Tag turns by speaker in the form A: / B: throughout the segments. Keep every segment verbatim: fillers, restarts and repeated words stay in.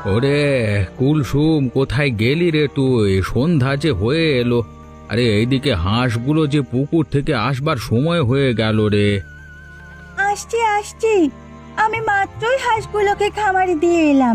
A: ওরে কুলসুম, কোথায় গেলি রে তুই? সন্ধ্যা যে হয়ে এলো। আরে এইদিকে হাঁসগুলো যে পুকুর থেকে আসবার সময় হয়ে গেল রে।
B: আসছি আসছি, আমি মাত্রই হাঁসগুলোকে খামারে দিয়ে এলাম।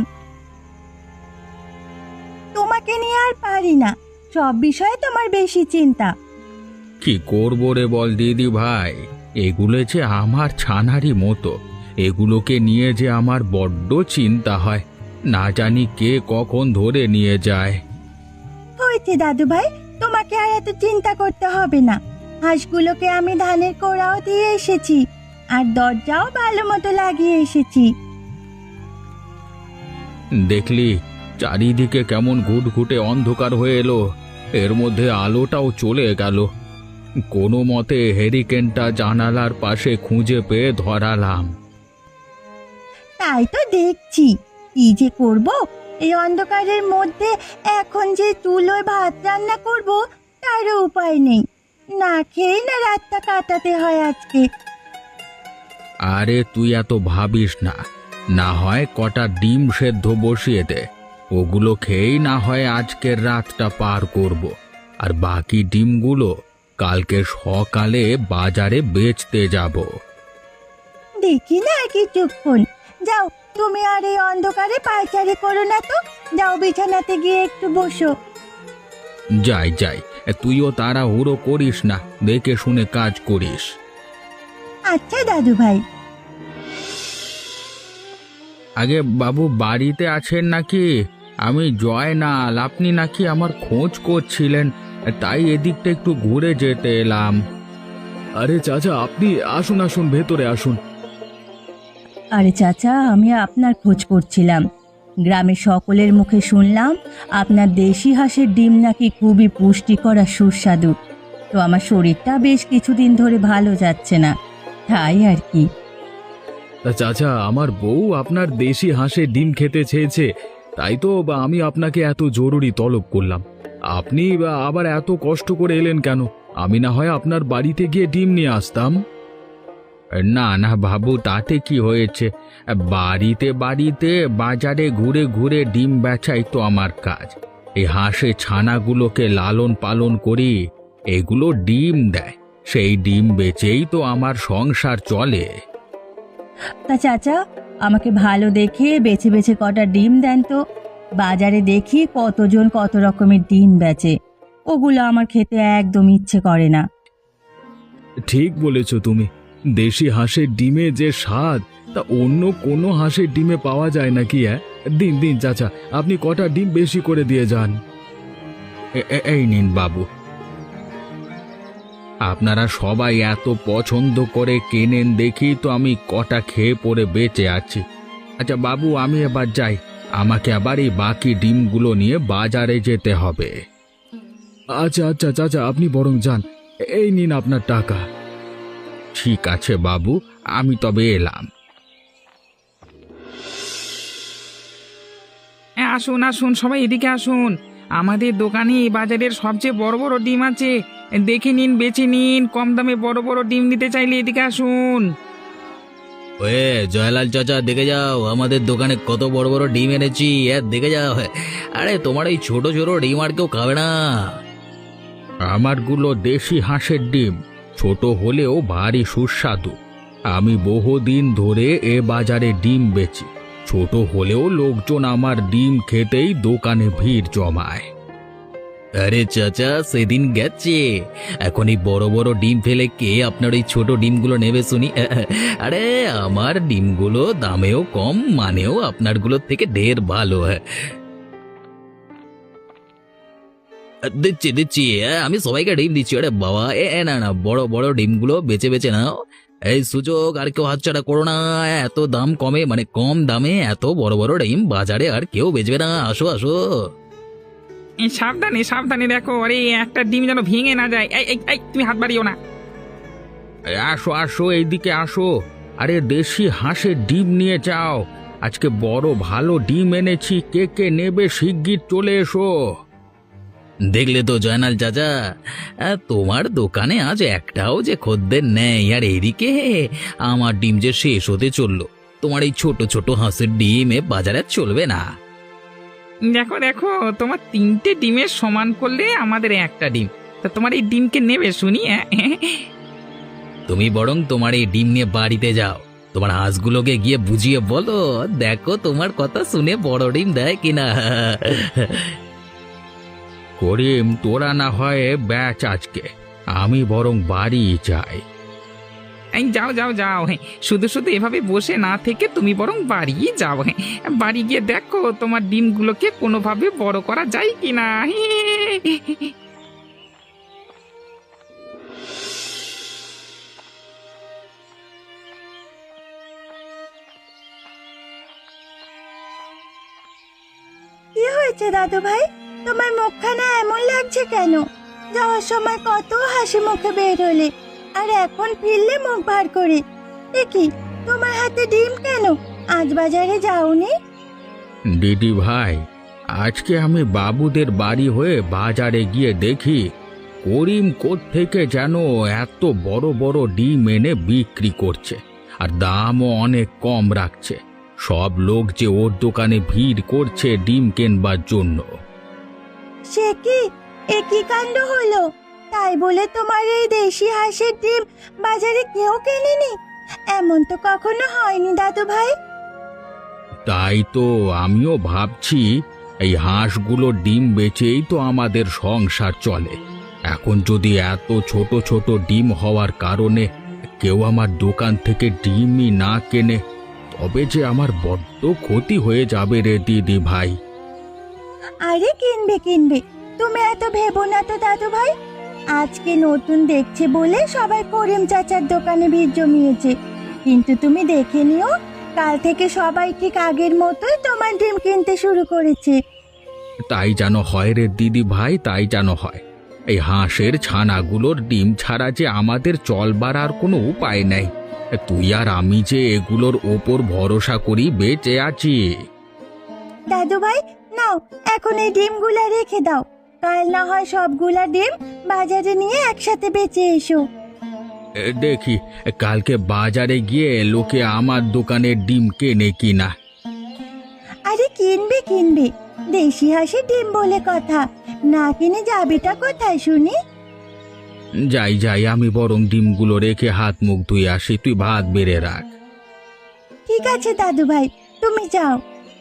B: তোমাকে নিয়ে আর পারি না, সব বিষয়ে তোমার বেশি চিন্তা।
A: কি করবো রে বল দিদি ভাই, এগুলো যে আমার ছানারই মতো, এগুলোকে নিয়ে যে আমার বড্ড চিন্তা হয়। না জানি কে কখন ধরে নিয়ে যায়।
B: হয়েছে দাদু ভাই, তোমাকে আর এত চিন্তা করতে হবে না। হাঁসগুলোকে আমি ধানের কোড়াও দিয়ে এসেছি, আর দরজাও ভালো মতো লাগিয়ে এসেছি।
A: দেখলি চারিদিকে কেমন ঘুটঘুটে অন্ধকার হয়ে এলো, এর মধ্যে আলোটাও চলে গেল। কোনো মতে হেরিকেনটা জানালার পাশে খুঁজে পেয়ে ধরালাম।
B: তাই তো দেখছি, কি যে করব এই অন্ধকারের মধ্যে। এখন যে চুলোয় ভাত রান্না করব তারও উপায় নেই, না খেয়ে না রাতটা কাটাতে হয় আজকে।
A: আরে তুই এত ভাবিস না, না হয় কটা ডিম সেদ্ধ বসিয়ে দে, ওগুলো খেয়েই না হয় আজকের রাতটা পার করব। আর বাকি ডিমগুলো কালকে সকালে বাজারে বেচতে যাব।
B: দেখি না আর কিছুক্ষণ। যাও, তুমি আর এই অন্ধকারে পায়চারি করো না তো। যাও, বিছানাতে গিয়ে একটু বসো।
A: যাই যাই, তুইও তাড়াহুড়ো করিস না, দেখে শুনে কাজ করিস।
B: আচ্ছা দাদু ভাই।
A: আগে বাবু বাড়িতে আছেন নাকি? আমি জয়নাল, আপনি নাকি আমার খোঁজ করছিলেন, তাই এদিকটা একটু ঘুরে যেতে এলাম। আরে চাচা, আপনি আসুন আসুন, ভেতরে আসুন।
B: আরে চাচা, আমি আপনার খোঁজ করছিলাম। গ্রামের সকলের মুখে শুনলাম আপনার দেশি হাঁসের ডিম নাকি খুবই পুষ্টিকর আর সুস্বাদু। তো আমার শরীরটা বেশ কিছুদিন ধরে ভালো যাচ্ছে না, তাই আর কি।
A: তা চাচা, আমার বউ আপনার দেশি হাঁসের ডিম খেতে চেয়েছে, তাই তো বা আমি আপনাকে এত জরুরি তলব করলাম। আপনি বা আবার এত কষ্ট করে এলেন কেন? আমি না হয় আপনার বাড়িতে গিয়ে ডিম নিয়ে আসতাম। না না বাবু, তাতে কি হয়েছে? বাড়িতে বাড়িতে বাজারে ঘুরে ঘুরে ডিম বেচাই তো আমার কাজ। এই হাঁসের ছানাগুলোকে লালন পালন করি, এগুলো ডিম দেয়, সেই ডিম বেচেই তো আমার সংসার চলে।
B: তা চাচা, আমাকে ভালো দেখে বেছে বেছে কটা ডিম দেন তো। বাজারে দেখি কতজন কত রকমের ডিম বেচে, ওগুলো আমার খেতে একদম ইচ্ছে করে না।
A: ঠিক বলেছ তুমি, দেশি হাঁসের ডিমে যে স্বাদ তা অন্য কোনো হাঁসের ডিমে পাওয়া যায় নাকি? হ্যাঁ, দিন দিন চাচা, আপনি কটা ডিম বেশি করে দিয়ে যান। এ- এ- এই নিন বাবু। আপনারা সবাই এত পছন্দ করে কেনেন দেখি তো আমি কটা খেয়ে পরে বেঁচে আছি। আচ্ছা বাবু, আমি এবার যাই, আমাকে আবার এই বাকি ডিমগুলো নিয়ে বাজারে যেতে হবে। আচ্ছা আচ্ছা চাচা, আপনি বরং যান, এই নিন আপনার টাকা। ঠিক আছে বাবু, আমি তবে এলাম।
C: হ্যাঁ, আসুন আসুন সবাই এদিকে আসুন। আমাদের দোকানে এই বাজারের সবচেয়ে বড় বড় ডিম আছে, দেখে নিন, বেছে নিন। কম দামে বড় বড় ডিম নিতে চাইলে এদিকে আসুন।
D: ওয়ে জয়লাল চাচা, দেখে যাও আমাদের দোকানে কত বড় বড় ডিম এনেছি, দেখে যাও। আরে তোমার এই ছোট ছোট ডিম আর কেউ খাবে না।
A: আমারগুলো দেশি হাঁসের ডিম, ছোট হলেও ভারী সুস্বাদু। আমি বহুদিন ধরে এ বাজারে ডিম বেচি, ছোট হলেও লোকজন আমার ডিম খেতেই দোকানে ভিড় জমায়।
D: আরে চাচা, সেদিন গেছে, এখন এই বড় বড় ডিম ফেলে কে আপনার এই ছোট ডিমগুলো নেবে শুনি? আরে আমার ডিমগুলো দামেও কম, মানেও আপনারগুলোর থেকে ঢের ভালো। দিচ্ছি দিচ্ছি, আমি সবাইকে ডিম দিচ্ছি। আরে বাবা, এ না না, বড় বড় ডিমগুলো বেছে বেছে নাও। এই সুযোগ আর কেউ হাতছাড়া করো না। এত দাম কমে, মানে কম দামে এত বড় বড় ডিম বাজারে আর কেউ বেচবে না। আসো আসো।
C: এই সাবধানে সাবধানে দেখো, আরে একটা ডিম যেন ভেঙে না যায়। এই এই, এই তুমি হাত বাড়িও না।
A: এই আসো আসো, এইদিকে আসো। আরে দেশি হাঁসের ডিম নিয়ে যাও, আজকে বড় ভালো ডিম এনেছি, কে কে নেবে শিগগির চলে এসো।
D: দেখলে তো জয়নাল চাচা, আহ, তোমার দোকানে আজ একটাও যে খদ্দের নেই, আর এদিকে আমার ডিম যে শেষ হতে চললো। তোমার এই ছোট ছোট হাঁসের ডিম এ বাজারে চলবে না।
C: দেখো দেখো, তোমার তিনটে ডিমের সমান করলে আমাদের একটা ডিম। তা তোমার এই ডিমকে নেবে শুনি? হ্যাঁ
D: তুমি বরং তোমার এই ডিম নিয়ে বাড়িতে যাও, তোমার হাঁসগুলোকে গিয়ে বুঝিয়ে বলো, দেখো তোমার কথা শুনে বড় ডিম দেয় কিনা।
A: করিম, তোরা না হয় ব্যাচ আজকে, আমি বরং বাড়ি যাই।
C: এই যাও যাও যাও, হ্যাঁ শুধু শুধু এভাবে বসে না থেকে তুমি বরং বাড়ি যাও। হ্যাঁ বাড়ি গিয়ে দেখো তোমার ডিমগুলোকে কোনোভাবে বড় করা যায় কিনা।
B: কি হয়েছে দাদু ভাই, তোমার মুখখানা এমন লাগছে কেন? যাওয়ার সময় কত হাসি মুখে বের হলে, আর এখন ফিরলে মুখ ভার করে। দেখি তোমার হাতে ডিম কেন? আজ বাজারে যাওনি?
A: দিদি ভাই, আজকে আমি বাবুদের বাড়ি হয়ে বাজারে গিয়ে দেখি করিম কোত্থেকে যেন এত বড় বড় ডিম এনে বিক্রি করছে, আর দামও অনেক কম রাখছে। সব লোক যে ওর দোকানে ভিড় করছে ডিম কেনবার জন্য।
B: সে কি, এ কি কাণ্ড হলো? তাই বলে তোমার এই দেশি হাঁসের ডিম বাজারে কেউ কেনেনি? এমন তো কখনো হয়নি দাদু ভাই।
A: তাই তো আমিও ভাবছি, এই হাঁসগুলো ডিম বেচেই তো আমাদের সংসার চলে। এখন যদি এত ছোট ছোট ডিম হওয়ার কারণে কেউ আমার দোকান থেকে ডিমই না কেনে, তবে যে আমার বড্ড ক্ষতি হয়ে যাবে রে দিদি ভাই।
B: আরে কিনবে কিনবে, তুমি এত ভেবো না তো দাদু ভাই। আজকে নতুন দেখছে বলে সবাই করিম চাচার দোকানে ভিড় জমিয়েছে, কিন্তু তুমি দেখে নিও, কাল থেকে সবাই ঠিক আগের মতোই তোমার ডিম কিনতে শুরু করেছে।
A: তাই যেন হয় রে দিদি ভাই, তাই যেন হয়। এই হাঁসের ছানাগুলোর ডিম ছাড়া যে আমাদের চলবার আর কোনো উপায় নেই। তুই আর আমি যে এগুলোর ওপর ভরসা করি বেঁচে আছি।
B: দাদু ভাই নাও, এখন এই ডিমগুলা রেখে দাও, কাল না হয় সবগুলা ডিম বাজারে নিয়ে একসাথে বেচে এসো।
A: এ, দেখি কালকে বাজারে গিয়ে লোকে আমার দোকানের ডিম কেনে কিনা।
B: আরে কিনবে কিনবে, দেশি হাঁসের ডিম বলে কথা, না কিনে যাবেটা কোথায় শুনি?
A: যাই যাই, আমি বরং ডিমগুলো রেখে হাত মুখ ধুয়ে আসি, তুই ভাত বেড়ে রাখ।
B: ঠিক আছে দাদু ভাই, তুমি যাও।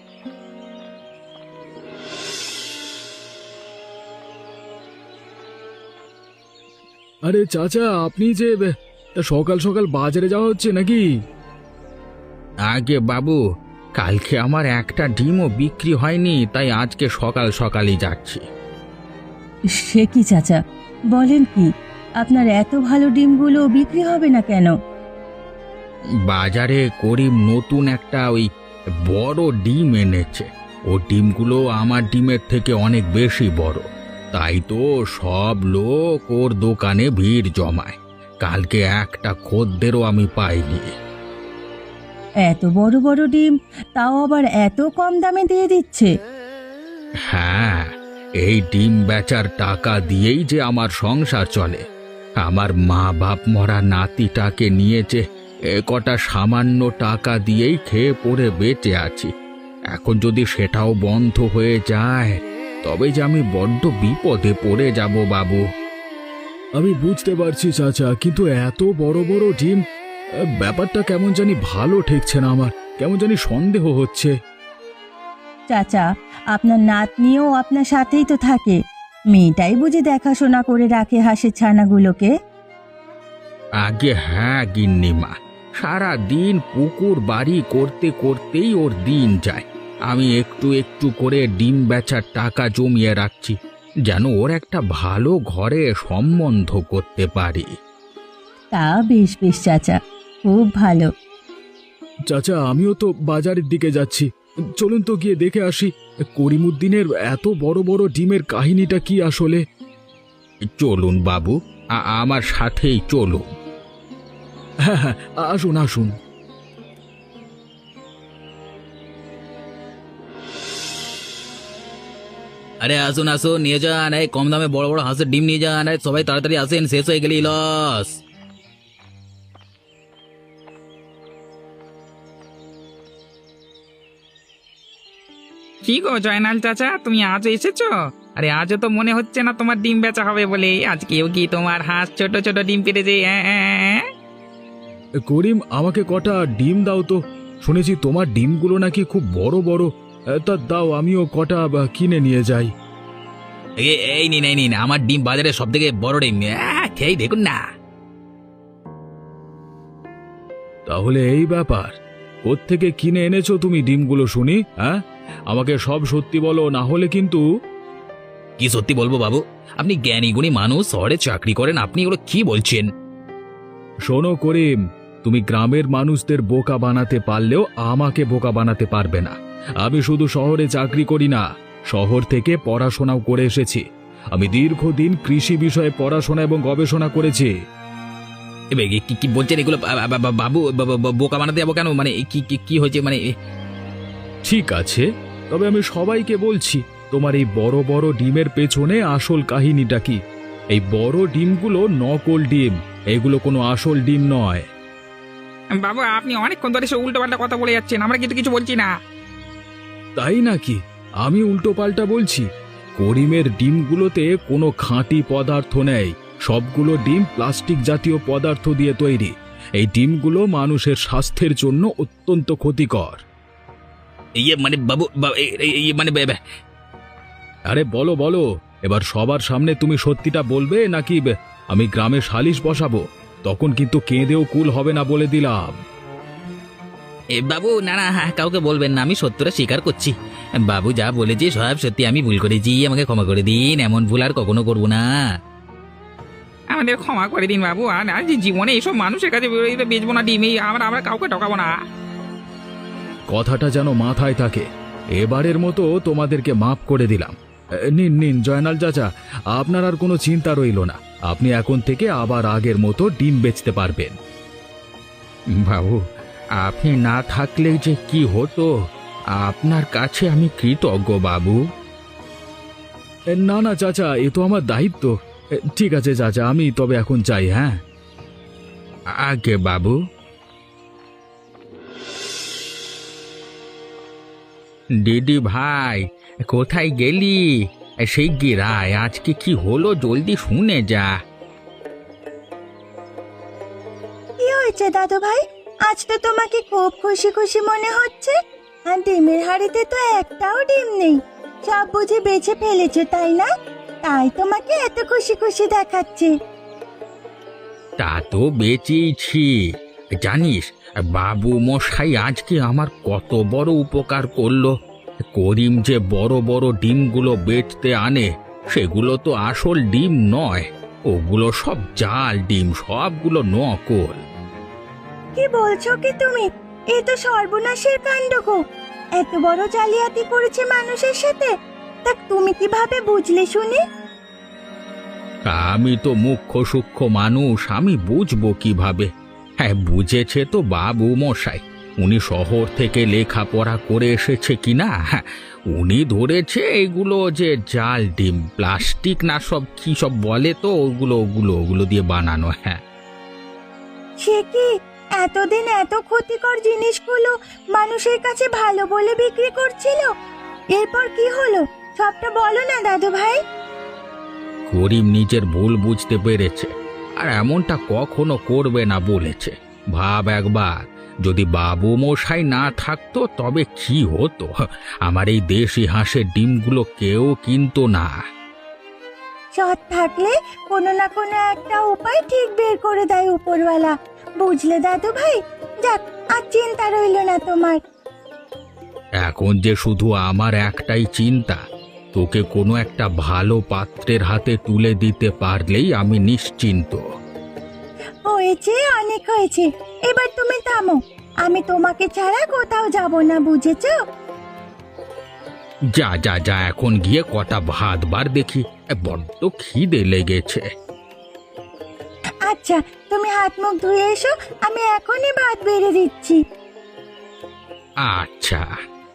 A: আরে চাচা, আপনি যে সকাল সকাল বাজারে যাওয়া হচ্ছে নাকি? আগে বাবু, কালকে আমার একটা ডিমও বিক্রি হয়নি, তাই আজকে সকাল সকালই যাচ্ছি।
B: সে কি চাচা, বলেন কি? আপনার এত ভালো ডিমগুলো বিক্রি হবে না কেন?
A: বাজারে করিম নতুন একটা ওই বড় ডিম এনেছে। ও ডিমগুলো আমার ডিমের থেকে অনেক বেশি বড়, তাই তো সব লোক ওর দোকানে ভিড় জমায়। কালকে একটা খদ্দেরও আমি পাইনি।
B: এত বড় বড় ডিম, তাও আবার এত কম দামে দিয়ে দিচ্ছে?
A: হ্যাঁ, এই ডিম বেচার টাকা দিয়েই যে আমার সংসার চলে। আমার মা বাপ মরা নাতিটাকে নিয়েছে, এ কটা সামান্য টাকা দিয়েই খেয়ে পড়ে বেঁচে আছি। এখন যদি সেটাও বন্ধ হয়ে যায়, তবে যে আমি বড্ড বিপদে পড়ে যাব বাবু। আমি বুঝতে পারছি চাচা, কিন্তু এত বড় বড় ডিম, ব্যাপারটা কেমন জানি ভালো ঠেকছে না আমার, কেমন জানি সন্দেহ হচ্ছে।
B: চাচা, আপনার নাতনিও আপনার সাথেই তো থাকে, মেয়েটাই বুঝি দেখাশোনা করে রাখে হাঁসের ছানাগুলোকে?
A: আগে হ্যাঁ গিন্নিমা, সারা দিন পুকুর বাড়ি করতে করতেই ওর দিন যায়। আমি একটু একটু করে ডিম বেচার টাকা জমিয়ে রাখছি, যেন ওর একটা ভালো ঘরে সম্বন্ধ করতে পারি।
B: তা বেশ বেশ চাচা, খুব ভালো।
A: চাচা, আমিও তো বাজারের দিকে যাচ্ছি, চলুন তো গিয়ে দেখে আসি করিমুদ্দিনের এত বড় বড় ডিমের কাহিনীটা কি আসলে। চলুন বাবু, আ- আমার সাথেই চলুন। হ্যাঁ হ্যাঁ, আসুন আসুন।
D: আরে আসুন আসুন, নিয়ে যান, এই কম দামে বড় বড় হাঁসের ডিম নিয়ে যান, এই সবাই তাড়াতাড়ি আসেন, শেষ হয়ে গেলেই লস।
C: কি গো জয়নাল চাচা, তুমি আজও এসেছো? আরে আজও তো মনে হচ্ছে না তোমার ডিম বেচা হবে বলে। আজকেও কি তোমার হাঁস ছোট ছোট ডিম পেড়েছে? হ্যাঁ, হ্যাঁ, হ্যাঁ।
A: করিম, আমাকে কটা ডিম দাও তো। শুনেছি তোমার ডিমগুলো নাকি খুব বড় বড়। এ, তা দাও, আমিও কটা বা, কিনে নিয়ে যাই।
D: এ- এই নিন এই নিন আমার ডিম, বাজারে সব থেকে বড় ডিম। আহ, খেয়ে দেখুন না।
A: তাহলে এই ব্যাপার, কোত্থেকে কিনে এনেছো তুমি ডিমগুলো শুনি? হ্যাঁ, আমাকে সব সত্যি বলো, না হলে কিন্তু।
D: কি সত্যি বলবো বাবু? আপনি জ্ঞানী গুণী মানুষ, শহরে চাকরি করেন, আপনি এগুলো কি বলছেন?
A: শোনো করিম, তুমি গ্রামের মানুষদের বোকা বানাতে পারলেও আমাকে বোকা বানাতে পারবে না। আমি শুধু শহরে চাকরি করি না, শহর থেকে পড়াশোনাও করে এসেছি। আমি দীর্ঘদিন কৃষি বিষয়ে পড়াশোনা এবং গবেষণা করেছি।
D: এবার কি- কি কি বলছেন এগুলো? বা- বা- বা- বাবু, বা- বা- বা- বোকা বানাতে যাবো কেন? মানে কি কি- কি হয়েছে মানে?
A: ঠিক আছে, তবে আমি সবাইকে বলছি, তোমার এই বড় বড় ডিমের পেছনে আসল কাহিনীটা কি। এই বড় ডিমগুলো নকল ডিম, এগুলো কোনো আসল ডিম নয়।
C: বাবু, আপনি অনেকক্ষণ ধরে সে উল্টো পাল্টা কথা বলে যাচ্ছেন, আমরা কিন্তু কিছু বলছি না।
A: তাই নাকি? আমি উল্টো পাল্টা বলছি? করিমের ডিমগুলোতে কোনো খাঁটি পদার্থ নেই, সবগুলো ডিম প্লাস্টিক জাতীয় পদার্থ দিয়ে তৈরি। এই ডিমগুলো মানুষের স্বাস্থ্যের জন্য অত্যন্ত ক্ষতিকর।
D: ইয়ে মানে বাবু, বা- এ- এ- ইয়ে মানে বে- বে-
A: আরে বলো বলো, এবার সবার সামনে তুমি সত্যিটা বলবে নাকি বে- আমি গ্রামে সালিশ বসাবো? তখন কিন্তু কেঁদেও কুল হবে না, বলে দিলাম।
D: এ বাবু, না না, হ্যাঁ, কাউকে বলবেন না, আমি সত্যটা স্বীকার করছি। বাবু যা বলেছে সব সত্যি, আমি ভুল করেছি, আমাকে ক্ষমা করে দিন। এমন ভুল আর কখনো করবো না।
C: আমাদের ক্ষমা করে দিন বাবু, আর আর যে জীবনে এইসব মানুষের কাছে বেরোতে বেচবো না ডিম। এই আমরা আমরা কাউকে ঠকাবো না।
A: কথাটা যেন মাথায় থাকে। এবারের মতো তোমাদেরকে মাফ করে দিলাম। এ, নিন নিন জয়নাল চাচা, আপনার আর কোনো চিন্তা রইল না। আপনি এখন থেকে আবার আগের মতো ডিম বেচতে পারবেন।
E: বাবু, আপনি না থাকলে যে কি হতো, আপনার কাছে আমি কৃতজ্ঞ বাবু।
A: এ, না না চাচা, এ তো আমার দায়িত্ব। এ, ঠিক আছে চাচা, আমি তবে এখন চাই। হ্যাঁ,
E: আগে বাবু। দিদি ভাই, কোথায় গেলি? সেই গিরায় আজকে কি হলো, জলদি শুনে যা।
B: কি হয়েছে দাদু ভাই? আজ তো তোমাকে খুব খুশি খুশি মনে হচ্ছে। আর ডিমের হাড়িতে তো একটাও ডিম নেই, সব বুঝে বেছে ফেলেছো তাই না? তাই তোমাকে এত খুশি খুশি দেখাচ্ছে।
E: তা তো বেঁচেইছি। জানিস, বাবু মশাই আজকে আমার কত বড় উপকার করলো। করিম যে বড় বড় ডিমগুলো বেচতে আনে, সেগুলো তো আসল ডিম নয়, ওগুলো সব জাল ডিম, সবগুলো নকল।
B: কি বলছো কি তুমি? এ তো সর্বনাশের কাণ্ড গো! এত বড় জালিয়াতি করেছে মানুষের সাথে, তা তুমি কিভাবে বুঝলে শুনি?
E: আমি তো মুখ্য সূক্ষ্ম মানুষ, আমি বুঝবো কিভাবে? হ্যাঁ, বুঝেছে তো বাবু মশাই। উনি শহর থেকে লেখাপড়া করে এসেছে কিনা, হ্যাঁ, উনি ধরেছে এগুলো যে জাল ডিম, প্লাস্টিক না সব কি সব বলে তো, ওগুলো ওগুলো ওগুলো দিয়ে বানানো। হ্যাঁ,
B: সে কি, এতদিন এত ক্ষতিকর জিনিসগুলো মানুষের কাছে ভালো বলে বিক্রি করছিল? এরপর কি হলো সবটা বলো না দাদু ভাই।
E: করিম নিজের ভুল বুঝতে পেরেছে, আর এমনটা কখনো করবে না বলেছে। ভাব একবার, যদি বাবু মশাই না থাকতো তবে কি হতো? আমার এই দেশি হাঁসের ডিমগুলো কেউ কিনতো না।
B: সৎ থাকলে কোনো না কোনো একটা উপায় ঠিক বের করে দেয় উপরওয়ালা, বুঝলে দাদু ভাই? যাক, আর চিন্তা রইল না তোমার।
E: এখন যে শুধু আমার একটাই চিন্তা, তোকে কোনো একটা ভালো পাত্রের হাতে তুলে দিতে পারলেই আমি নিশ্চিন্ত।
B: হয়েছে, অনেক হয়েছে, এবার তুমি থামো। আমি তোমাকে ছাড়া কোথাও যাব না, বুঝেছো?
E: যা যা যা, এখন গিয়ে কটা ভাত বার দেখি, বড্ড খিদে লেগেছে।
B: আচ্ছা, তুমি হাত মুখ ধুয়ে এসো, আমি এখনই ভাত বেড়ে দিচ্ছি।
E: আচ্ছা।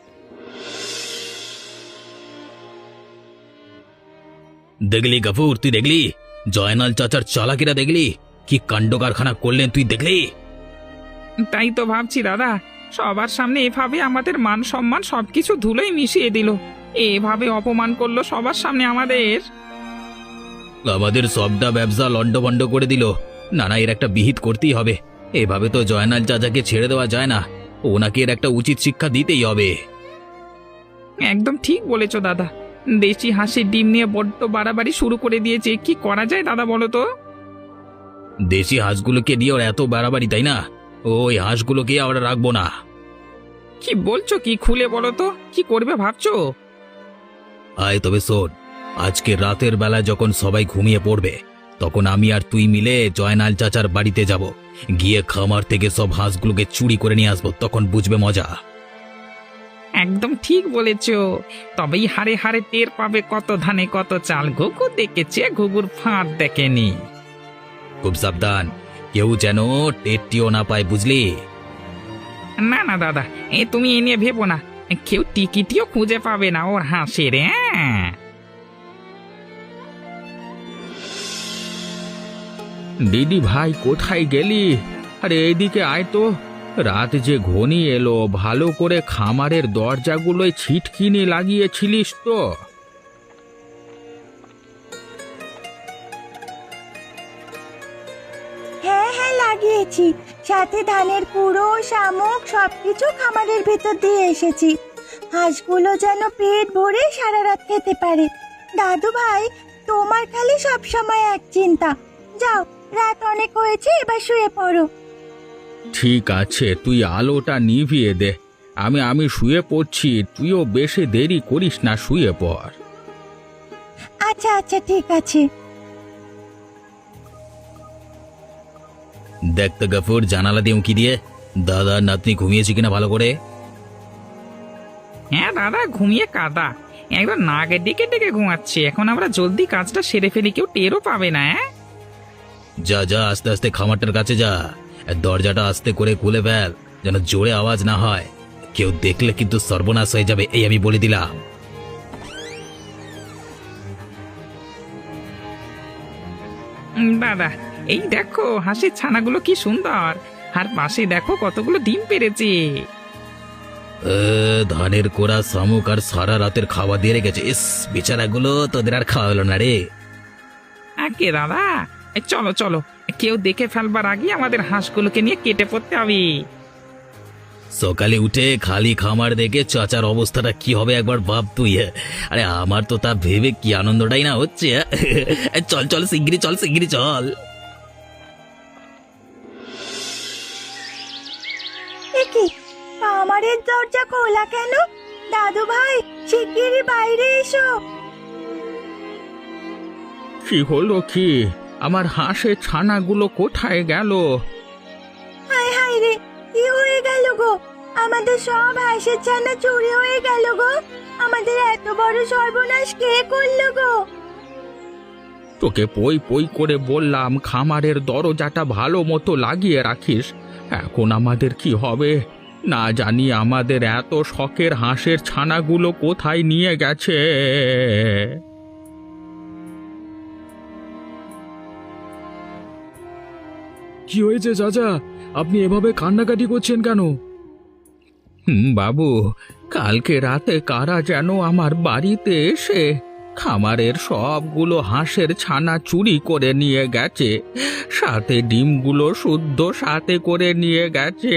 D: দেখলি গফুর, তুই দেখলি জয়নাল চাচার চালাকিরা? দেখলি কি কাণ্ড কারখানা করলেন? তুই দেখলি?
C: তাই তো ভাবছি দাদা, সবার সামনে এভাবে আমাদের মান সম্মান সবকিছু ধুলোয় মিশিয়ে দিল। এভাবে অপমান করলো সবার সামনে আমাদের।
D: আমাদের সবটা ব্যবসা লন্ডভন্ড করে দিল। না না, এর একটা বিহিত করতেই হবে। এভাবে তো জয়নাল চাচাকে ছেড়ে দেওয়া যায় না, ওনাকে এর একটা উচিত শিক্ষা দিতেই হবে।
C: একদম ঠিক বলেছো দাদা। দেশি হাঁসের ডিম নিয়ে বড্ড বাড়াবাড়ি শুরু করে দিয়েছে। কি করা যায় দাদা বলো তো?
D: দেশি হাঁসগুলোকে দিয়ে ওর এত বাড়াবাড়ি, তাই না? ওই হাঁসগুলোকে আমরা রাখবো না।
C: কি বলছো, কি খুলে বলো তো, কি করবে ভাবছো?
D: আয় তবে শোন, আজকে রাতের বেলা যখন সবাই ঘুমিয়ে পড়বে, তখন আমি আর তুই মিলে জয়নাল চাচার বাড়িতে যাব। গিয়ে খামার থেকে সব হাঁসগুলোকে চুরি করে নিয়ে আসবো, তখন বুঝবে মজা।
C: একদম ঠিক বলেছো। তবেই হারে হারে টের পাবে কত ধানে কত চাল। ঘুঘু দেখেছে, ঘুঘুর ফাঁদ দেখেনি।
D: খুব সাবধান, কেউ যেন টেরটিও না পায়, বুঝলি?
C: না না দাদা, এ তুমি এ নিয়ে ভেবো না। কেউ টিকিটিও খুঁজে পাবে না ওর হাঁসের। হ্যাঁ,
A: দিদি ভাই কোথায় গেলি? আরে এইদিকে আয় তো। রাত যে ঘনিয়ে এলো, ভালো করে খামারের দরজাগুলোয় ছিটকিনি লাগিয়েছিলিস তো?
B: হ্যাঁ হ্যাঁ লাগিয়েছি, সাথে ধানের কুড়ো শামুক সবকিছু খামারের ভেতর দিয়ে এসেছি। হাঁসগুলো যেন পেট ভরে সারা রাত খেতে পারে। দাদু ভাই, তোমার খালি সব সময় এক চিন্তা। যাও, রাত অনেক হয়েছে, এবার শুয়ে পড়ো।
A: ঠিক আছে, তুই আলোটা নিভিয়ে দে। আমি আমি শুয়ে পড়ছি, তুইও বেশি দেরি করিস না, শুয়ে পড়।
B: আচ্ছা আচ্ছা ঠিক আছে।
D: দেখ তো গফুর, জানালা দিয়ে উঁকি দিয়ে দাদা নাতনি ঘুমিয়েছে কিনা ভালো করে।
C: হ্যাঁ দাদা, ঘুমিয়ে কাদা একদম নাগের দিকে ডেকে ঘুমাচ্ছে। এখন আমরা জলদি কাজটা সেরে ফেলি, কেউ টেরও পাবে না। হ্যাঁ,
D: যা যা, আস্তে আস্তে খামারটার কাছে যা। আর দরজাটা আস্তে করে খুলে ফেল, যেন জোরে আওয়াজ না হয়। কেউ দেখলে কিন্তু সর্বনাশ হয়ে যাবে, এই আমি বলে দিলাম।
C: উম, দাদা এই দেখো হাঁসের ছানাগুলো কি সুন্দর। আর পাশে দেখো কতগুলো ডিম পেড়েছে।
D: এ, ধানের কোড়া শামুক আর সারা রাতের খাওয়া দিয়ে রেখেছে। ইস, বেচারাগুলো তোদের আর খাওয়া হলো না রে।
C: আগে দাদা, এই চলো চলো, কেউ দেখে ফেলবার আগে আমাদের হাঁসগুলোকে নিয়ে কেটে পড়তে হবে।
D: সকালে উঠে খালি খামার দেখে চাচার অবস্থাটা কি হবে একবার ভাব তুই। আরে আমার তো তা ভেবে কি আনন্দটাই না হচ্ছে। চল চল শিগগিরি চল, শিগগিরি চল।
B: কি খামারের দরজা খোলা কেন? দাদু ভাই, শিগগিরই বাইরে এসো।
A: কি হলো কি? আমার হাঁসের ছানাগুলো কোথায় গেল?
B: হায় হায় রে, কি হয়ে গেল গো? আমাদের সব হাঁসের ছানা চুরি হয়ে গেল গো। আমাদের এত বড় সর্বনাশ কে করলো গো?
A: তোকে পই পই করে বললাম খামারের দরজাটা ভালো মতো লাগিয়ে রাখিস। এখন আমাদের কি হবে? না জানি আমাদের এত শখের হাঁসের ছানাগুলো কোথায় নিয়ে গেছে। কি হয়েছে চাচা? আপনি এভাবে কান্নাকাটি করছেন কেন? হুম বাবু, কালকে রাতে কারা যেন আমার বাড়িতে এসে খামারের সবগুলো হাঁসের ছানা চুরি করে নিয়ে গেছে, সাথে ডিমগুলো শুদ্ধ সাথে করে নিয়ে গেছে।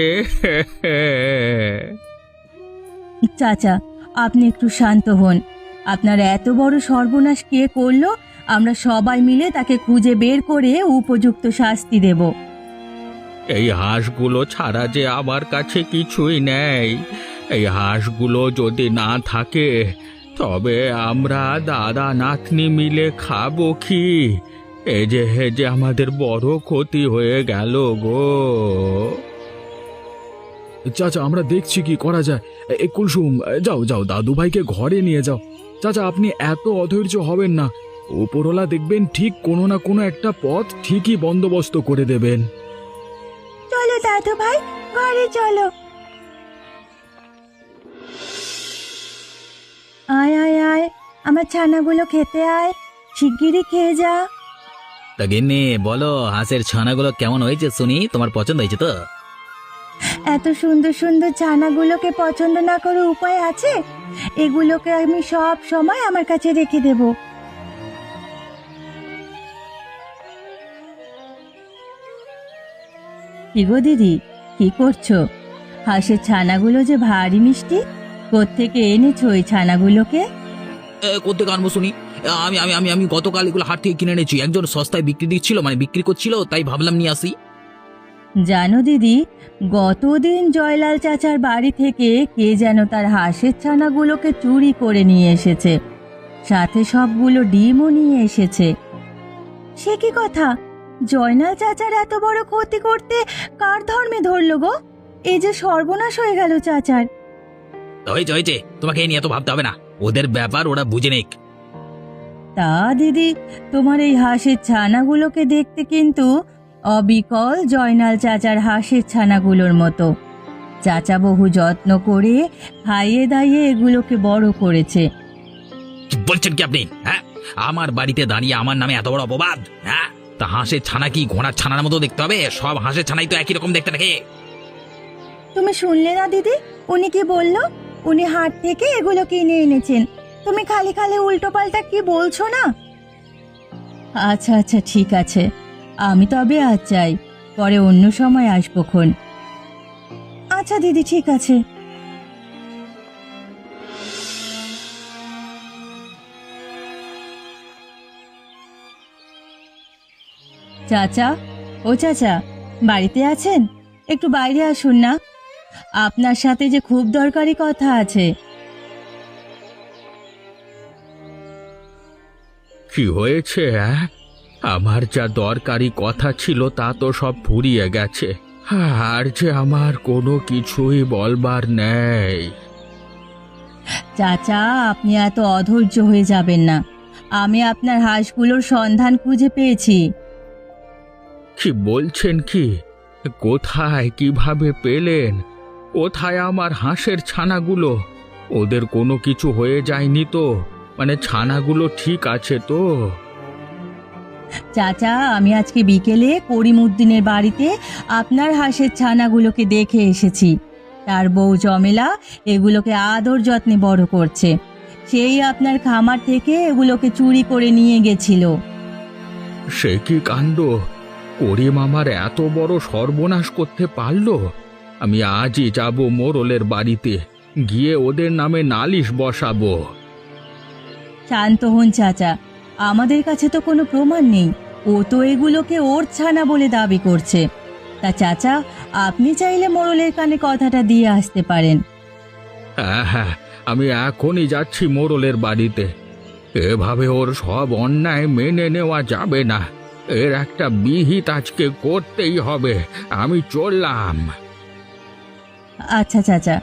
B: চাচা, আপনি একটু শান্ত হন। আপনার এত বড় সর্বনাশ কে করলো, আমরা সবাই মিলে তাকে খুঁজে বের করে উপযুক্ত শাস্তি দেব।
A: এই হাঁসগুলো ছাড়া যে আমার কাছে কিছুই নেই। এই হাঁসগুলো যদি না থাকে তবে আমরা দাদা নাতনি মিলে খাবো কি? এই যে হে যে আমাদের বড় ক্ষতি হয়ে গেল গো। চাচা, আমরা দেখছি কি করা যায়। এ কুলসুম, যাও যাও দাদু ভাইকে ঘরে নিয়ে যাও। চাচা, আপনি এত অধৈর্য হবেন না। উপরওয়ালা দেখবেন ঠিক কোনো না কোনো একটা পথ ঠিকই বন্দোবস্ত করে দেবেন।
B: চলো দাদু ভাই, ঘরে চলো। আয় আয় আয়, আমার ছানাগুলো খেতে আয়, শিগগিরই খেয়ে যা।
D: তা গিন্নি বলো, হাঁসের ছানাগুলো কেমন হয়েছে শুনি, তোমার পছন্দ হয়েছে তো?
B: এত সুন্দর সুন্দর ছানাগুলোকে পছন্দ না করে উপায় আছে? এগুলোকে আমি সব সময় আমার কাছে রেখে দেব। কি গো দিদি, কি করছো? হাঁসের ছানাগুলো যে ভারী মিষ্টি, কোত্থেকে এনেছো ওই ছানাগুলোকে?
D: করতে আনবো শুনি। আমি আমি আমি আমি গতকাল এগুলো হাট থেকে কিনে এনেছি, একজন সস্তায় বিক্রি দিচ্ছিল, মানে বিক্রি করছিল, তাই ভাবলাম নিয়ে আসি।
B: জানো দিদি, গতদিন জয়লাল চাচার বাড়ি থেকে কে যেন তার হাঁসের ছানাগুলোকে চুরি করে নিয়ে এসেছে, সাথে সবগুলো ডিমও নিয়ে এসেছে। সে কি কথা? জয়নাল চাচার এত বড় ক্ষতি করতে কার ধর্মে ধরল গো? এই যে সর্বনাশ হয়ে গেল চাচার।
D: হয়েছে হয়েছে, তোমাকে এই নিয়ে এত ভাবতে হবে না, ওদের ব্যাপার ওরা বুঝে নেক।
B: তা দিদি, তোমার এই হাঁসের ছানাগুলোকে দেখতে কিন্তু অবিকল জয়নাল চাচার হাঁসের ছানাগুলোর মতো। চাচা বহু যত্ন করে খাইয়ে দাইয়ে এগুলোকে বড় করেছে।
D: কি বলছেন কি আপনি? হ্যাঁ, আমার বাড়িতে দাঁড়িয়ে আমার নামে এত বড় অপবাদ? হ্যাঁ, তা হাঁসের ছানা কি ঘোড়ার ছানার মতো দেখতে হবে? সব হাঁসের ছানাই তো একই রকম দেখতে নাকি?
B: তুমি শুনলে না দিদি, উনি কি বলল? উনি হাট থেকে এগুলো কিনে এনেছেন। তুমি খালি খালি উল্টো পাল্টা কি বলছো না? আচ্ছা আচ্ছা, ঠিক আছে, আমি তবে আজ যাই, পরে অন্য সময় আসবো খন। আচ্ছা দিদি, ঠিক আছে। চাচা, ও চাচা, বাড়িতে আছেন? একটু বাইরে আসুন না, আপনার সাথে যে খুব দরকারি কথা আছে।
E: কি হয়েছে? অ্যাঁ? আমার যা দরকারি কথা ছিল তা তো সব ফুরিয়ে গেছে, আর যে আমার কোনো কিছুই বলবার নেই।
B: চাচা, আপনি এত অধৈর্য হয়ে যাবেন না, আমি আপনার হাঁসগুলোর সন্ধান খুঁজে পেয়েছি।
E: কি বলছেন কি? কোথায়, কিভাবে পেলেন? কোথায় আমার হাঁসের ছানাগুলো? ওদের কোনো কিছু হয়ে যায়নি তো? মানে ছানাগুলো ঠিক আছে তো?
B: চাচা, আমি আজকে বিকেলে করিমউদ্দিনের বাড়িতে আপনার হাঁসের ছানাগুলোকে দেখে এসেছি। তার বউ জমেলা এগুলোকে আদর যত্নে বড় করছে। সেই আপনার খামার থেকে এগুলোকে চুরি করে নিয়ে গেছিল।
E: সে কি কাণ্ড! করিম আমার এত বড় সর্বনাশ করতে পারলো? আমি আজই যাব মোড়লের বাড়িতে, গিয়ে ওদের নামে নালিশ বসাবো।
B: শান্ত হন চাচা, আমাদের কাছে তো কোনো প্রমাণ নেই। ও তো এগুলোকে ওর ছানা বলে দাবি করছে। তা চাচা, আপনি চাইলে মোড়লের কানে কথাটা দিয়ে আসতে পারেন।
E: হ্যাঁ হ্যাঁ, আমি এখনই যাচ্ছি মোড়লের বাড়িতে। এভাবে ওর সব অন্যায় মেনে নেওয়া যাবে না, এর একটা বিহিত আজকে করতেই হবে। আমি চললাম।
B: আচ্ছা চাচা।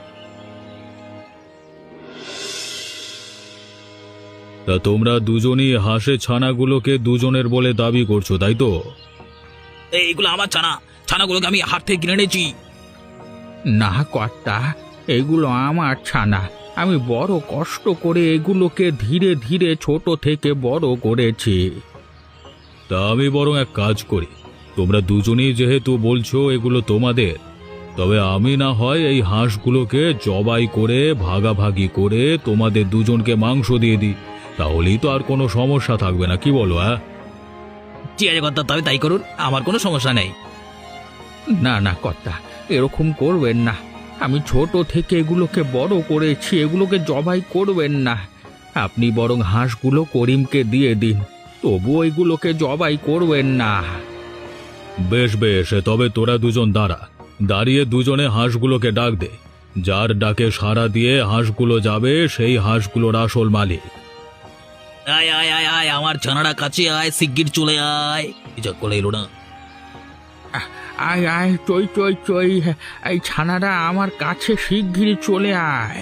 A: তা তোমরা দুজনই হাঁসের ছানাগুলোকে দুজনের বলে দাবি করছো, তাই তো?
D: এইগুলো আমার ছানা, ছানাগুলোকে আমি হাট থেকে কিনে এনেছি।
E: না কর্তা, এগুলো আমার ছানা। আমি বড় কষ্ট করে এগুলোকে ধীরে ধীরে ছোট থেকে বড় করেছি।
A: তা আমি বরং এক কাজ করি, তোমরা দুজনেই যেহেতু বলছো এগুলো তোমাদের, তবে আমি না হয় এই হাঁসগুলোকে জবাই করে ভাগাভাগি করে তোমাদের দুজনকে মাংস দিয়ে দিই, তাহলেই তো আর কোনো সমস্যা থাকবে না, কি বলো? হ্যাঁ,
D: ঠিক আছে কর্তা, তবে তাই করুন, আমার কোনো সমস্যা নেই।
E: না না কর্তা, এরকম করবেন না। আমি ছোট থেকে এগুলোকে বড় করেছি, এগুলোকে জবাই করবেন না। আপনি বরং হাঁসগুলো করিমকে দিয়ে দিন, তবু এগুলোকে জবাই করবেন না।
A: বেশ বেশ, তবে তোরা দুজন দাঁড়া, দাঁড়িয়ে দুজনে হাঁসগুলোকে ডাক দে। যার ডাকে সাড়া দিয়ে হাঁসগুলো যাবে সেই হাঁসগুলোর আসল মালিক।
D: আয় আয় আয় আয়, আমার ছানাটা কাছে আয়, শিগগির চলে আয়। যা করে এলো না।
E: আয় আয়, চই চই চই, এই ছানাটা আমার কাছে শিগগিরই চলে আয়।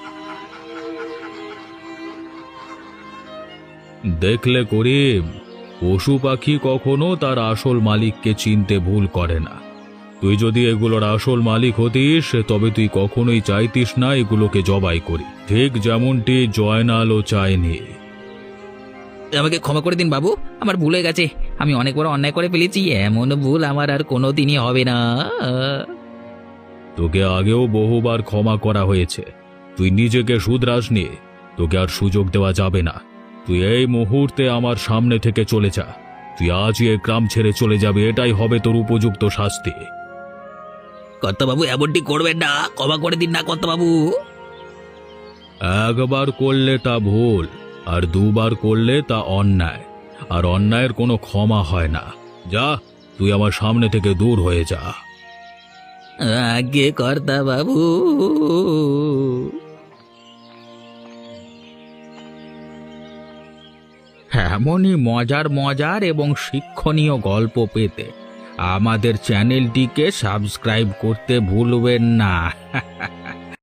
A: দেখলে করিম, পশু পাখি কখনো তার আসল মালিককে চিনতে ভুল করে না। তুই যদি এগুলোর আসল মালিক হতিস তবে তুই কখনোই চাইতিস না এগুলোকে জবাই করি, ঠিক যেমনটি জয়নালও চায়নি।
D: আমাকে ক্ষমা করে দিন বাবু, আমার ভুল হয়ে গেছে। আমি অনেক বড় অন্যায় করে ফেলেছি, এমন ভুল আমার আর কোনো দিনই হবে না।
A: তোকে আগেও বহুবার ক্ষমা করা হয়েছে, তুই নিজেকে শুধরাসনি, তোকে আর সুযোগ দেওয়া যাবে না। তুই এই মুহূর্তে আমার সামনে থেকে চলে যা, তুই আজই এ গ্রাম ছেড়ে চলে যাবে, এটাই হবে তোর উপযুক্ত শাস্তি।
D: কর্তাবাবু এমনটি করবেন না, ক্ষমা করে দিন না কর্তাবাবু।
A: একবার করলে তা ভুল, আর দুবার করলে তা অন্যায়, আর অন্যায়ের কোনো ক্ষমা হয় না। যা, তুই আমার সামনে থেকে দূর হয়ে যা।
D: আগে কর্তাবাবু।
E: এমনই মজার মজার এবং শিক্ষণীয় গল্প পেতে আমাদের চ্যানেলটিকে সাবস্ক্রাইব করতে ভুলবেন না।